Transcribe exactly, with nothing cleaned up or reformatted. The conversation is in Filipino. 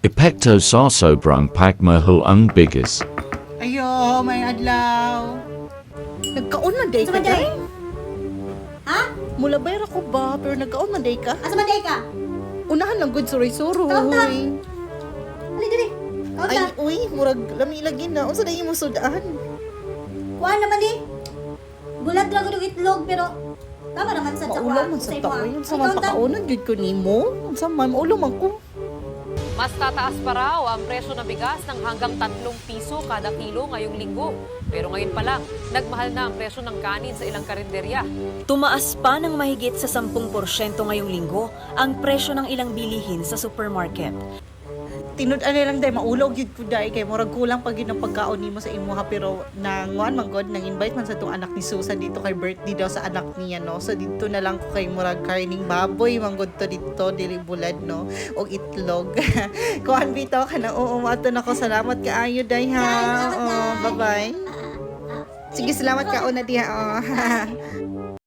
Epekto sa sobrang pagmahal ang bigas. Ayo, may adlaw. Nagkaon man day Asa ka man day? day? Ha? Mula bayra ko ba? Pero nagkaon man day ka? Asa man day ka? Unahan lang good suroy-suroy. Kaunta. Ali diri. Ay, Kaunta. uy, murag lami lagi na. Unsa na imo sudan? Kuan naman di. Bulag lang og itlog pero tama naman sa sa Maulo man sa tao. Yun sa mga pakaunan, yun ko nimo. Unsa man, maulo man ko. Mas tataas pa raw ang presyo ng bigas ng hanggang tatlong piso kada kilo ngayong linggo. Pero ngayon pa lang, nagmahal na ang presyo ng kanin sa ilang karinderya. Tumaas pa ng mahigit sa sampung porsyento ngayong linggo ang presyo ng ilang bilihin sa supermarket. Tinud-an lang day maulog yun ko day kay murag kulang pag yun ang pagkaon nimo sa imuha pero nanguan man god nang invite man sa tong anak ni Susan dito kay birthday daw sa anak niya no. So dito na lang ko kay murag karning baboy man god to dito dili bulad no og itlog. Kuan bitaw ka na oo mato na ko salamat kaayo day ha. Oo, bye bye. Sige salamat ka una diha. Oh.